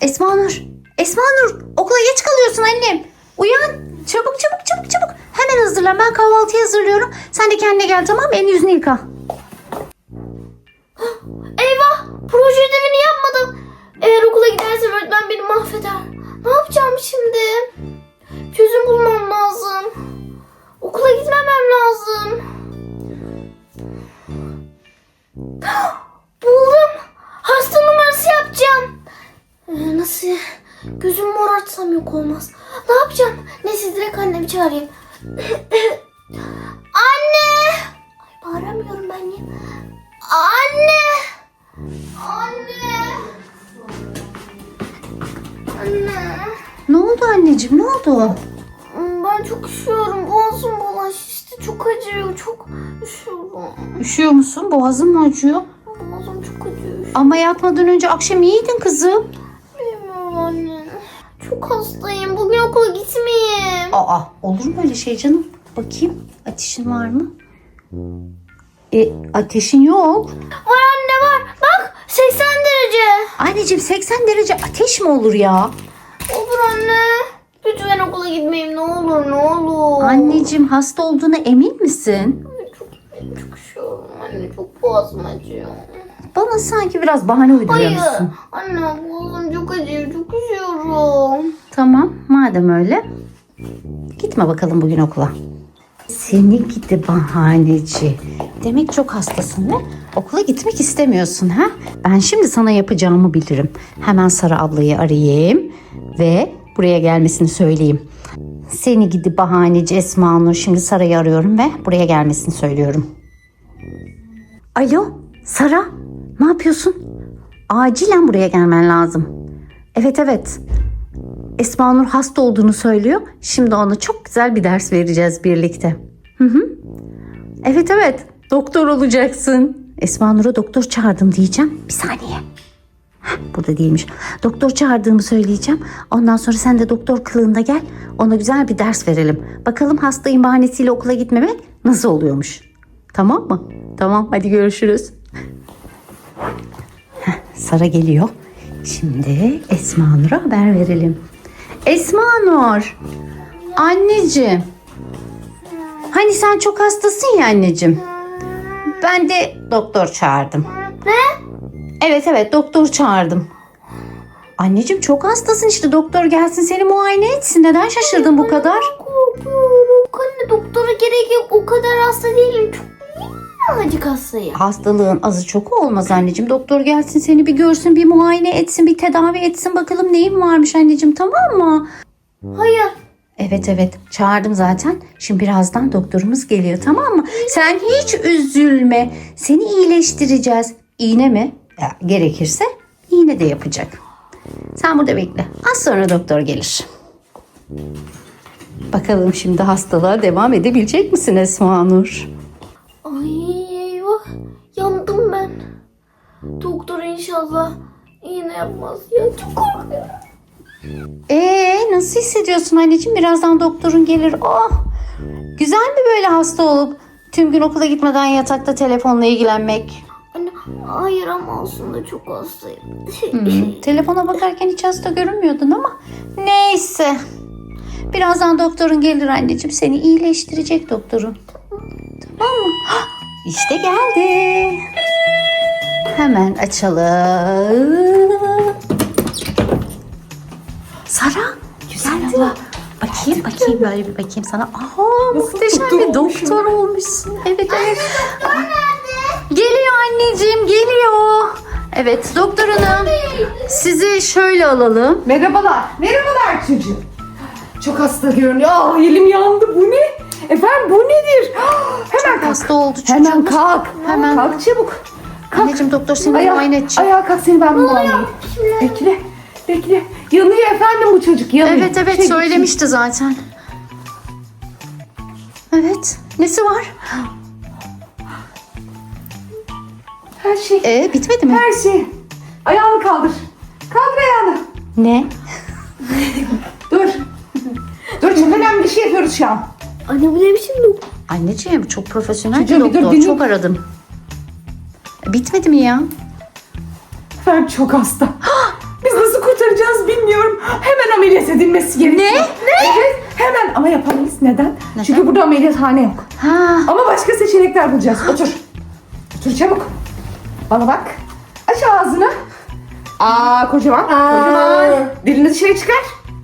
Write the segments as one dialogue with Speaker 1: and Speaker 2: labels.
Speaker 1: Esma Nur. Esma Nur, okula geç kalıyorsun annem. Uyan. Çabuk çabuk çabuk çabuk. Hemen hazırlan. Ben kahvaltıyı hazırlıyorum. Sen de kendine gel, tamam mı? Elini yüzünü yıka.
Speaker 2: Eyvah! Proje ödevini yapmadım. Eğer okula gidersem öğretmen beni mahveder. Ne yapacağım şimdi? Çözüm bulmam lazım. Okula gitmemem lazım. Buldum. Hasta numarası yapacağım. Nasıl? Gözümü morartsam yok olmaz. Ne yapacağım? Neyse direkt annemi çağırayım. Anne! Ay bağıramıyorum ben ya. Anne! Anne! Anne!
Speaker 1: Ne oldu anneciğim, ne oldu?
Speaker 2: Ben çok üşüyorum. Boğazım bulaştı. Çok acıyor. Çok üşüyorum.
Speaker 1: Üşüyor musun? Boğazın mı acıyor?
Speaker 2: Boğazım çok acıyor.
Speaker 1: Ama yatmadan önce akşam iyiydin kızım.
Speaker 2: Bilmiyorum anne. Çok hastayım. Bugün okula gitmeyeyim.
Speaker 1: Aa, olur mu öyle şey canım? Bakayım, ateşin var mı? Ateşin yok.
Speaker 2: Var anne var. Bak 80 derece.
Speaker 1: Anneciğim 80 derece ateş mi olur ya?
Speaker 2: Olur anne. Lütfen okula gitmeyeyim ne olur ne olur.
Speaker 1: Anneciğim hasta olduğuna emin misin?
Speaker 2: Çok üşüyorum anne. Çok boğazım acıyor.
Speaker 1: Bana sanki biraz bahane
Speaker 2: Hayır.
Speaker 1: uyduruyorsun.
Speaker 2: Anne boğazım çok acıyor. Çok üşüyorum.
Speaker 1: Tamam, madem öyle. Gitme bakalım bugün okula. Seni gidi bahaneci. Demek çok hastasın ve okula gitmek istemiyorsun ha? Ben şimdi sana yapacağımı bilirim. Hemen Sara ablayı arayayım ve buraya gelmesini söyleyeyim. Seni gidi bahaneci Esma Nur. Şimdi Sara'yı arıyorum ve buraya gelmesini söylüyorum. Alo Sara, ne yapıyorsun? Acilen buraya gelmen lazım. Evet. Esma Nur hasta olduğunu söylüyor. Şimdi ona çok güzel bir ders vereceğiz birlikte. Evet. Doktor olacaksın. Esma Nur'a doktor çağırdım diyeceğim. Bir saniye. Burada değilmiş. Doktor çağırdığımı söyleyeceğim. Ondan sonra sen de doktor kılığında gel. Ona güzel bir ders verelim. Bakalım hastayım bahanesiyle okula gitmemek nasıl oluyormuş. Tamam mı? Tamam, hadi görüşürüz. Sara geliyor. Şimdi Esma Nur'a haber verelim. Esma Nur. Anneciğim. Hani sen çok hastasın ya anneciğim. Ben de doktor çağırdım.
Speaker 2: Ne?
Speaker 1: Evet doktor çağırdım. Anneciğim çok hastasın işte, doktor gelsin seni muayene etsin. Neden şaşırdın bu kadar?
Speaker 2: Korkuyorum. Anne doktora gerek yok. O kadar hasta değilim. Çok minnacık hastayım.
Speaker 1: Hastalığın azı çok olmaz anneciğim. Doktor gelsin seni bir görsün, bir muayene etsin, bir tedavi etsin. Bakalım neyin varmış anneciğim, tamam mı?
Speaker 2: Hayır.
Speaker 1: Evet çağırdım zaten. Şimdi birazdan doktorumuz geliyor, tamam mı? Sen hiç üzülme. Seni iyileştireceğiz. İğne mi? Ya, gerekirse iğne de yapacak. Sen burada bekle. Az sonra doktor gelir. Bakalım şimdi hastalığa devam edebilecek misin Esma Nur?
Speaker 2: Ay eyvah. Yandım ben. Doktor inşallah iğne yapmaz. Ya çok korkuyorum.
Speaker 1: Nasıl hissediyorsun anneciğim? Birazdan doktorun gelir. Oh! Güzel mi böyle hasta olup tüm gün okula gitmeden yatakta telefonla ilgilenmek?
Speaker 2: Anne hayır ama aslında çok hastayım.
Speaker 1: Telefona bakarken hiç hasta görünmüyordun ama neyse. Birazdan doktorun gelir anneciğim. Seni iyileştirecek doktorun. Tamam mı? Hah, İşte geldi. Hemen açalım. Sara. Güzel abla. Bakayım böyle bir bakayım sana. Aa, muhteşem bir doktor olmuşsun. Evet.
Speaker 2: Doktor nerede?
Speaker 1: Geliyor anneciğim, geliyor. Evet doktor hanım. Sizi şöyle alalım.
Speaker 3: Merhabalar çocuğum. Çok hasta görünüyor. Elim yandı. Bu ne? Efendim bu nedir? Hemen kalk.
Speaker 1: Hasta oldu çocuğum.
Speaker 3: Hemen kalk.
Speaker 1: Hemen.
Speaker 3: Kalk çabuk. Kalk.
Speaker 1: Anneciğim doktor seni muayene edecek.
Speaker 3: Ayağa kalk, seni ben muayene edeyim. Bekle. Yanıyor efendim bu çocuk. Yanıyor.
Speaker 1: Evet söylemişti zaten. Evet. Nesi var?
Speaker 3: Her şey.
Speaker 1: Bitmedi mi?
Speaker 3: Her şey. Ayağını kaldır. Kaldır ayağını.
Speaker 1: Ne?
Speaker 3: Dur. Çok önemli bir şey yapıyoruz şu an.
Speaker 2: Anne bu ne biçim doktor?
Speaker 1: Anneciğim çok profesyonel bir
Speaker 3: Çocuğum, bir dur,
Speaker 1: doktor.
Speaker 3: dinle.
Speaker 1: Çok aradım. Bitmedi mi ya?
Speaker 3: Efendim çok hasta. Biz nasıl kurtaracağız gitmesi gerekiyor.
Speaker 1: Ne?
Speaker 3: Evet hemen ama yapamayız. Neden? Çünkü burada ameliyathane yok.
Speaker 1: Ha.
Speaker 3: Ama başka seçenekler bulacağız. Otur. Otur çabuk. Bana bak. Aç ağzını. Kocaman. Kocaman. Dilini dışarı çıkar.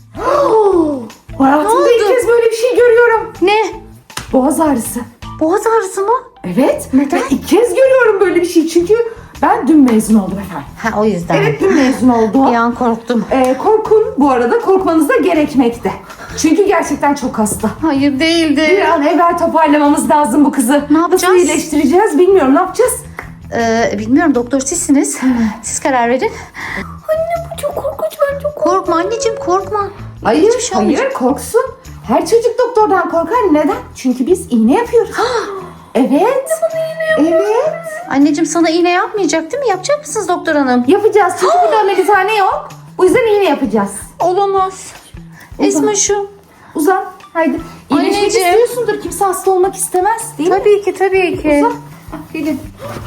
Speaker 3: Hayatımda ilk kez böyle bir şey görüyorum.
Speaker 1: Ne?
Speaker 3: Boğaz ağrısı.
Speaker 1: Boğaz ağrısı mı?
Speaker 3: Evet.
Speaker 1: Neden?
Speaker 3: Ben ilk kez görüyorum böyle bir şey. Çünkü ben dün mezun oldum efendim.
Speaker 1: Ha, o yüzden.
Speaker 3: Evet dün mezun oldum.
Speaker 1: Bir an korktum.
Speaker 3: Korkun bu arada. Korkmanız da gerekmekte. Çünkü gerçekten çok hasta.
Speaker 1: Hayır
Speaker 3: Bir
Speaker 1: değildi.
Speaker 3: an evvel toparlamamız lazım bu kızı.
Speaker 1: Ne yapacağız?
Speaker 3: Nasıl iyileştireceğiz bilmiyorum. Ne yapacağız?
Speaker 1: Bilmiyorum, doktor sizsiniz. Siz karar verin.
Speaker 2: Anne bu çok korkunç, ben çok
Speaker 1: Korkma anneciğim, korkma.
Speaker 3: Hayır,
Speaker 1: Hiçbir şey olmayacak.
Speaker 3: hayır korksun. Her çocuk doktordan korkar. Neden? Çünkü biz iğne yapıyoruz. Evet. Evet.
Speaker 1: Anneciğim sana iğne yapmayacak değil mi? Yapacak mısınız doktor hanım?
Speaker 3: Yapacağız. Çünkü burada ameliyathane yok. O yüzden iğne yapacağız.
Speaker 1: Olamaz. Esmaşım.
Speaker 3: Uzan. Haydi. İyileşmek
Speaker 1: Anneciğim.
Speaker 3: istiyorsundur. Kimse hasta olmak istemez değil mi?
Speaker 1: Tabii ki, tabii ki.
Speaker 3: Uzan. Gelin.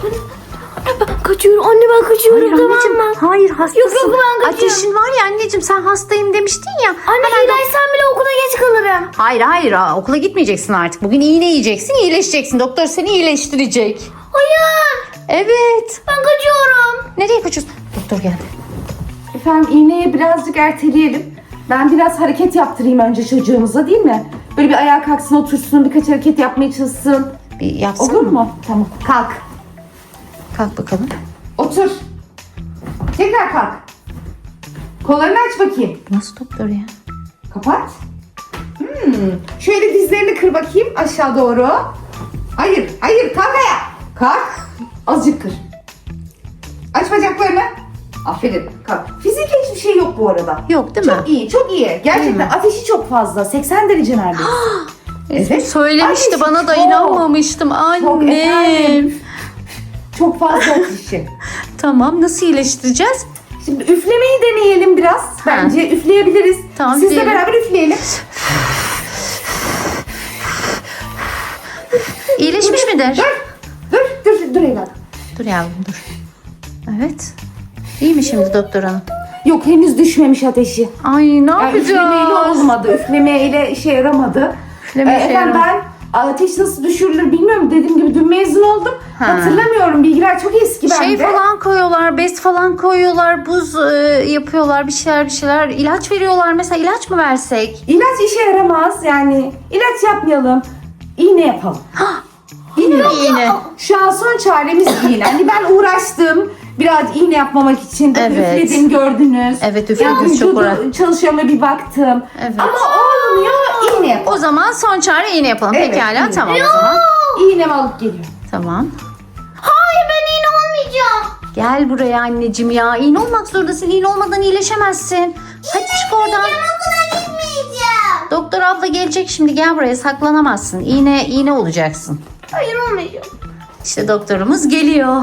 Speaker 2: Ben kaçıyorum anne, ben kaçıyorum,
Speaker 1: Hayır
Speaker 2: tamam
Speaker 1: anneciğim,
Speaker 2: mı?
Speaker 1: hayır hastasın.
Speaker 2: Yok, ben kaçıyorum.
Speaker 1: Ateşin var ya anneciğim, sen hastayım demiştin ya.
Speaker 2: Anne iyileşsem bile okula geç kalırım.
Speaker 1: Hayır hayır, okula gitmeyeceksin artık. Bugün iğne yiyeceksin, iyileşeceksin. Doktor seni iyileştirecek.
Speaker 2: Hayır,
Speaker 1: Evet.
Speaker 2: ben kaçıyorum.
Speaker 1: Nereye kaçıyorsun? Doktor geldi.
Speaker 3: Efendim iğneyi birazcık erteleyelim. Ben biraz hareket yaptırayım önce çocuğumuza değil mi? Böyle bir ayağa kalksın, otursun, birkaç hareket yapmaya çalışsın.
Speaker 1: Bir yapsana.
Speaker 3: Olur mu? Tamam. Kalk.
Speaker 1: Kalk bakalım.
Speaker 3: Otur. Tekrar kalk. Kollarını aç bakayım.
Speaker 1: Nasıl doktor ya?
Speaker 3: Kapat. Şöyle dizlerini kır bakayım aşağı doğru. Hayır, hayır kalk ayağa. Kalk. Azıcık kır. Aç bacaklarını. Aferin. Kalk. Fiziki hiçbir şey yok bu arada.
Speaker 1: Yok değil mi?
Speaker 3: Çok iyi, çok iyi.
Speaker 1: Değil
Speaker 3: Gerçekten
Speaker 1: mi?
Speaker 3: ateşi çok fazla. 80 derece neredeyse. Evet.
Speaker 1: Söylemişti
Speaker 3: Ateşi
Speaker 1: bana da
Speaker 3: çok,
Speaker 1: inanmamıştım
Speaker 3: çok
Speaker 1: annem.
Speaker 3: efendim. Çok fazla ateşi.
Speaker 1: Tamam, nasıl iyileştireceğiz?
Speaker 3: Şimdi üflemeyi deneyelim biraz. Bence üfleyebiliriz.
Speaker 1: Tamam,
Speaker 3: Sizle
Speaker 1: üfleyelim.
Speaker 3: beraber üfleyelim.
Speaker 1: İyileşmiş midir?
Speaker 3: Dur evladım.
Speaker 1: Dur yavrum dur. Evet. İyi mi şimdi doktor hanım?
Speaker 3: Yok henüz düşmemiş ateşi.
Speaker 1: Ay ne
Speaker 3: Yani üflemeyle
Speaker 1: yapacağız?
Speaker 3: olmadı. Üflemeyle işe yaramadı.
Speaker 1: Üfleme işe
Speaker 3: Efendim
Speaker 1: yaramadı.
Speaker 3: ben ateş nasıl düşürülür bilmiyorum. Dediğim gibi dün mezun oldum.
Speaker 1: Ha.
Speaker 3: Hatırlamıyorum. Bilgiler çok eski bende.
Speaker 1: Şey falan koyuyorlar, bez falan koyuyorlar, buz yapıyorlar, bir şeyler. İlaç veriyorlar. Mesela ilaç mı versek?
Speaker 3: İlaç işe yaramaz. Yani ilaç yapmayalım. İğne yapalım.
Speaker 1: İğne.
Speaker 3: Şu an son çaremiz iğne. Hani ben uğraştım. Biraz iğne yapmamak için.
Speaker 1: Evet.
Speaker 3: Üfledim gördünüz.
Speaker 1: Evet, üflediniz, çok
Speaker 3: vücudu
Speaker 1: uğraş.
Speaker 3: çalışıyor mu bir baktım.
Speaker 1: Evet.
Speaker 3: Ama olmuyor. İğne yapalım.
Speaker 1: O zaman son çare iğne yapalım.
Speaker 3: Evet,
Speaker 1: Pekala,
Speaker 3: iğne.
Speaker 1: tamam o zaman.
Speaker 3: İğnemi alıp geliyorum.
Speaker 1: Tamam.
Speaker 2: Hayır, ben iğne olmayacağım.
Speaker 1: Gel buraya anneciğim ya. İğne olmak zorundasın. İğne olmadan iyileşemezsin. Hadi çık oradan.
Speaker 2: Okula gitmeyeceğim.
Speaker 1: Doktor abla gelecek şimdi. Gel buraya, saklanamazsın. İğne olacaksın.
Speaker 2: Hayır, olmayacağım.
Speaker 1: İşte doktorumuz geliyor.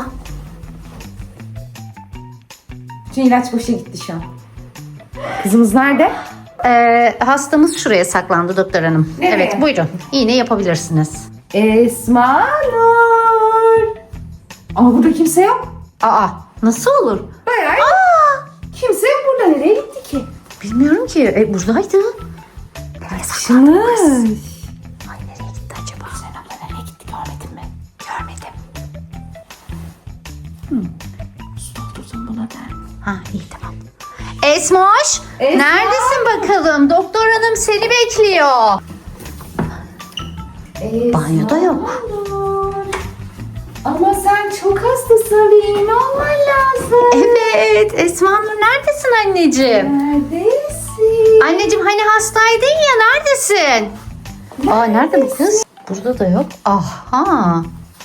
Speaker 3: Bütün ilaç boşa gitti şu an. Kızımız nerede?
Speaker 1: Hastamız şuraya saklandı doktor hanım.
Speaker 3: Nereye?
Speaker 1: Evet buyurun. İğne yapabilirsiniz.
Speaker 3: Esma Nur. Ama burada kimse yok.
Speaker 1: Aa, nasıl olur?
Speaker 3: Bayağı kimse yok burada. Nereye gitti ki?
Speaker 1: Bilmiyorum ki. Buradaydı.
Speaker 3: Kaçmış.
Speaker 1: Ay nereye gitti acaba?
Speaker 3: Sen abla nereye gitti görmedin mi?
Speaker 1: Görmedim.
Speaker 3: Doldurdum buna der.
Speaker 1: Ha iyi tamam. Esmoş,
Speaker 3: Esma!
Speaker 1: neredesin bakalım? Doktor hanım seni bekliyor. Banyoda yok.
Speaker 3: Nur. Ama sen çok hastasın. Bir iğne olman lazım.
Speaker 1: Evet, Esma Nur neredesin anneciğim?
Speaker 3: Neredesin?
Speaker 1: Anneciğim hani hastaydın ya, neredesin? Aa nerede bu kız? Burada da yok. Aha.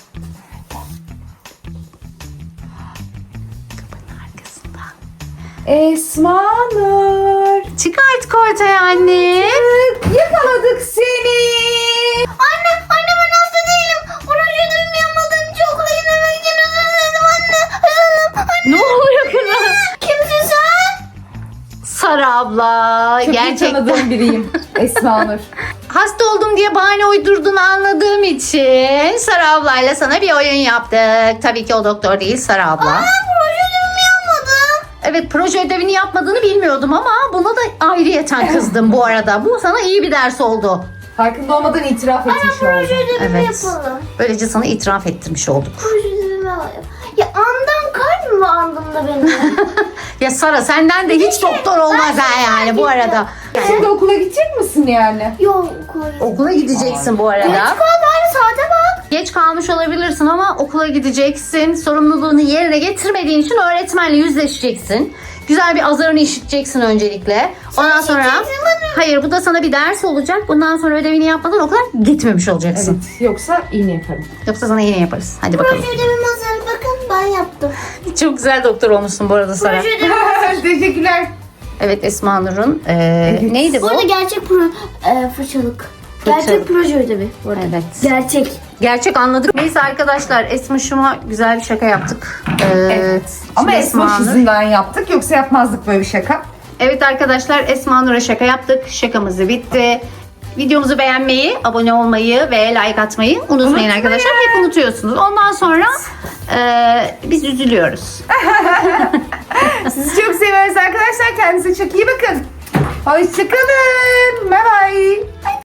Speaker 1: Kapının arkasında.
Speaker 3: Esma Nur.
Speaker 1: Çık artık ortaya anne.
Speaker 3: Yakaladık seni.
Speaker 2: Anne ben hasta değilim. Projedimi yapmadım. Okula gitmemek için özür dilerim anne.
Speaker 1: Ne oluyor kızım?
Speaker 2: Kimsin sen?
Speaker 1: Sara abla.
Speaker 3: Çok iyi
Speaker 1: Gerçekten.
Speaker 3: tanıdığım biriyim. Esma Nur.
Speaker 1: Hasta oldum diye bahane uydurduğunu anladığım için Sara ablayla sana bir oyun yaptık. Tabii ki o doktor değil, Sara abla.
Speaker 2: Projedimi yapmadım.
Speaker 1: Evet, proje ödevini yapmadığını bilmiyordum ama buna da ayrıyeten kızdım bu arada. Bu sana iyi bir ders oldu.
Speaker 3: Farkında olmadan itiraf etmiş
Speaker 2: Proje
Speaker 3: oldum.
Speaker 2: ödevimi
Speaker 1: Evet.
Speaker 2: yapalım.
Speaker 1: Böylece sana itiraf ettirmiş olduk.
Speaker 2: Proje ödevimi alayım. Ya andan kalp mi andın da benim?
Speaker 1: Ya Sara, senden de hiç doktor olmaz ha yani bu arada.
Speaker 3: Şimdi okula gidecek misin yani?
Speaker 2: Yok koyayım.
Speaker 1: Okula gideceksin bu arada.
Speaker 2: Bari saate bak.
Speaker 1: Geç kalmış olabilirsin ama okula gideceksin. Sorumluluğunu yerine getirmediğin için öğretmenle yüzleşeceksin. Güzel bir azarını işiteceksin öncelikle. Ondan sonra hayır, bu da sana bir ders olacak. Bundan sonra ödevini yapmadan okula gitmemiş olacaksın.
Speaker 3: Evet. Yoksa iğne yaparım.
Speaker 1: Yoksa sana yine yaparız. Hadi bakalım.
Speaker 2: Proje ödevim hazır. Bakın ben yaptım.
Speaker 1: Çok güzel doktor olmuşsun bu arada Sara.
Speaker 2: Proje ödevim hazır.
Speaker 3: Teşekkürler.
Speaker 1: Evet, Esma Nur'un neydi bu?
Speaker 2: Bu arada gerçek fırçalık.
Speaker 1: Fırçalık.
Speaker 2: Gerçek proje ödevi. Bu arada.
Speaker 1: Evet.
Speaker 2: Gerçek.
Speaker 1: Gerçek anladık. Neyse arkadaşlar, Esma güzel bir şaka yaptık.
Speaker 3: Evet. Ama
Speaker 1: şimdi
Speaker 3: Esma
Speaker 1: Nur-
Speaker 3: yüzünden yaptık. Yoksa yapmazdık böyle bir şaka.
Speaker 1: Evet arkadaşlar, Esma Nur'a şaka yaptık. Şakamız bitti. Videomuzu beğenmeyi, abone olmayı ve like atmayı unutmayın arkadaşlar. Hep unutuyorsunuz. Ondan sonra biz üzülüyoruz.
Speaker 3: Sizi çok seviyoruz arkadaşlar. Kendinize çok iyi bakın. Hoşçakalın. Bye bye.